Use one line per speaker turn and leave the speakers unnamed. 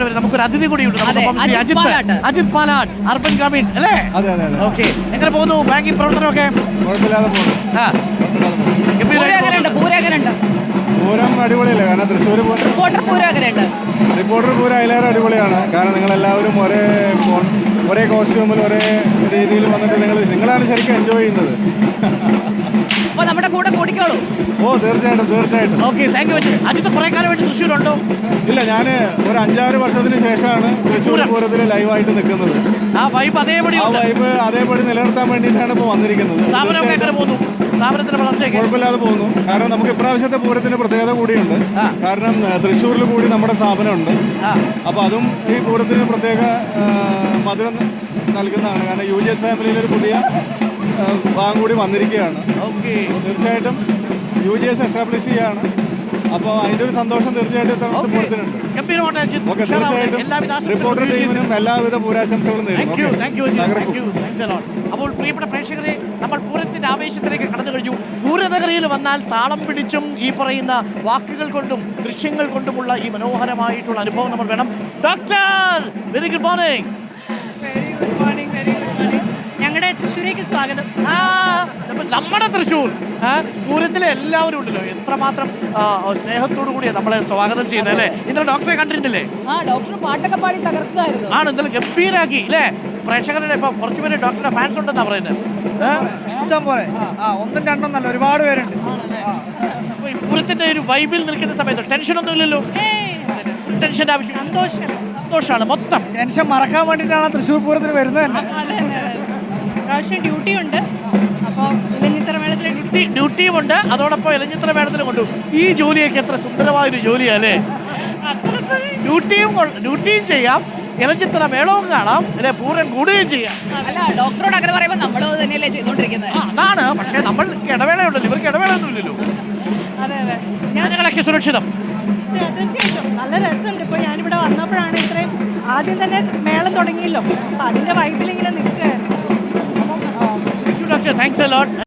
ഇവിടെ വരും. നമുക്കൊരു അതിഥി കൂടിയുണ്ട്. അജിത് പാലാട്ട്, അർബൻ ഗ്രാമീൺ അല്ലേ? ഓക്കെ, എങ്ങനെ പോകുന്നു ബാങ്കിങ് പ്രവർത്തനമൊക്കെ?
പൂരം അടിപൊളിയല്ലേ? കാരണം തൃശ്ശൂർ റിപ്പോർട്ടർ പൂരം അതിലേറെ അടിപൊളിയാണ്. കാരണം നിങ്ങളെല്ലാവരും ഒരേ കോസ്റ്റ്യൂമിൽ ഒരേ രീതിയിൽ വന്നിട്ട് നിങ്ങളാണ് ശരിക്കും എൻജോയ് ചെയ്യുന്നത്.
നമ്മുടെ കൂടെ കൂടിക്കോളൂ.
ഓ തീർച്ചയായിട്ടും.
Okay, thank you. അജിത്ത് കുറെ കാലമായിട്ട് തൃശ്ശൂരുണ്ടോ?
ഇല്ല, ഞാൻ ഒരു 5-6 വർഷത്തിന് ശേഷമാണ് തൃശ്ശൂർ പൂരത്തിൽ ലൈവായിട്ട് നിൽക്കുന്നത്.
ആ വൈബ്
അതേപടി നിലനിർത്താൻ വേണ്ടിയിട്ടാണ് ഇപ്പോൾ വന്നിരിക്കുന്നത്. കുഴപ്പമില്ലാതെ പോകുന്നു. കാരണം നമുക്ക് ഇപ്രാവശ്യത്തെ പൂരത്തിന് പ്രത്യേകത കൂടിയുണ്ട്. കാരണം തൃശ്ശൂരിൽ കൂടി നമ്മുടെ സ്ഥാപനമുണ്ട്. അപ്പോൾ അതും ഈ പൂരത്തിന് പ്രത്യേക മധുരം നൽകുന്നതാണ്. കാരണം UGS ഫാമിലിയിലൊരു പുതിയ ഭാഗം കൂടി വന്നിരിക്കുകയാണ്. തീർച്ചയായിട്ടും UGS എസ്റ്റാബ്ലിഷ് ചെയ്യുകയാണ്. അപ്പോൾ അതിൻ്റെ ഒരു സന്തോഷം തീർച്ചയായിട്ടും പൂരത്തിനുണ്ട്. റിപ്പോർട്ടർ ടീമിനും എല്ലാവിധ പൂരാശംസകളും നേരുന്നു.
അപ്പോൾ പ്രിയപ്പെട്ട പ്രേക്ഷകരെ, നമ്മൾ പൂരത്തിന്റെ ആവേശത്തിലേക്ക് കടന്നു കഴിഞ്ഞു. പൂരനഗരിയിൽ വന്നാൽ താളം പിടിച്ചും ഈ പറയുന്ന വാക്കുകൾ കൊണ്ടും ദൃശ്യങ്ങൾ കൊണ്ടുമുള്ള ഈ മനോഹരമായിട്ടുള്ള അനുഭവം നമ്മൾ വേണം. Doctor, very good morning.
ഞങ്ങളുടെ തൃശ്ശൂരേക്ക് സ്വാഗതം.
നമ്മുടെ തൃശ്ശൂർ പൂരത്തിലെ എല്ലാവരും ഉണ്ടല്ലോ, എത്രമാത്രം സ്നേഹത്തോടു കൂടിയാണ് നമ്മളെ സ്വാഗതം ചെയ്യുന്നത് അല്ലേ? ഇന്നലെ ഡോക്ടറെ കണ്ടിട്ടില്ലേ?
ഡോക്ടർ പാട്ടൊക്കെ പാടി തകർക്കായിരുന്നു.
ആണ്, ഇന്നലെ ഗംഭീരാക്കി അല്ലേ? പ്രേക്ഷകരുടെ ഇപ്പൊ കുറച്ചുപേര് ഡോക്ടറുടെ ഫാൻസ് ഉണ്ടെന്നാ പറയുന്നത്.
ഇഷ്ടം പോലെ, 1-2 ഒരുപാട് പേരുണ്ട്.
അപ്പൊ ഈ പൂരത്തിന്റെ ഒരു വൈബിൽ നിൽക്കുന്ന സമയത്ത് ടെൻഷൻ ഒന്നും ഇല്ലല്ലോ? ടെൻഷന്റെ ആവശ്യം, സന്തോഷമാണ് മൊത്തം.
ടെൻഷൻ മറക്കാൻ വേണ്ടിയിട്ടാണ് തൃശ്ശൂർ പൂരത്തിന് വരുന്നത് തന്നെ.
പ്രാവശ്യം ഡ്യൂട്ടി ഉണ്ട്. അപ്പോൾ ഇലഞ്ഞിത്തറ മേളത്തിൽ
ഡ്യൂട്ടിയും ഉണ്ട്, അതോടൊപ്പം ഇലഞ്ഞിത്തറ മേളത്തിനും കൊണ്ടു. ഈ ജോലിയൊക്കെ എത്ര സുന്ദരമായൊരു ജോലിയല്ലേ? ഡ്യൂട്ടിയും ചെയ്യാം, ഇലഞ്ഞിത്തറ മേളവും കാണാം, അല്ലെ പൂരം കൂടുകയും ചെയ്യാം.
അല്ല, ഡോക്ടറോട് അങ്ങനെ പറയുമ്പോൾ നമ്മളോ തന്നെയല്ലേ ചെയ്തോണ്ടിരിക്കുന്നത്?
അതാണ്. പക്ഷെ നമ്മൾ ഇടവേളയുണ്ടല്ലോ, ഇവർക്ക് ഇടവേളയൊന്നും ഇല്ലല്ലോ. ഞങ്ങളൊക്കെ സുരക്ഷിതം.
തീർച്ചയായിട്ടും നല്ല രസമുണ്ട്. ഇപ്പോൾ ഞാനിവിടെ വന്നപ്പോഴാണ് ഇത്രയും ആദ്യം തന്നെ മേളം തുടങ്ങിയല്ലോ, അപ്പം അതിൻ്റെ വൈബിൽ ഇങ്ങനെ നിൽക്കുകയായിരുന്നു.
Thanks a lot.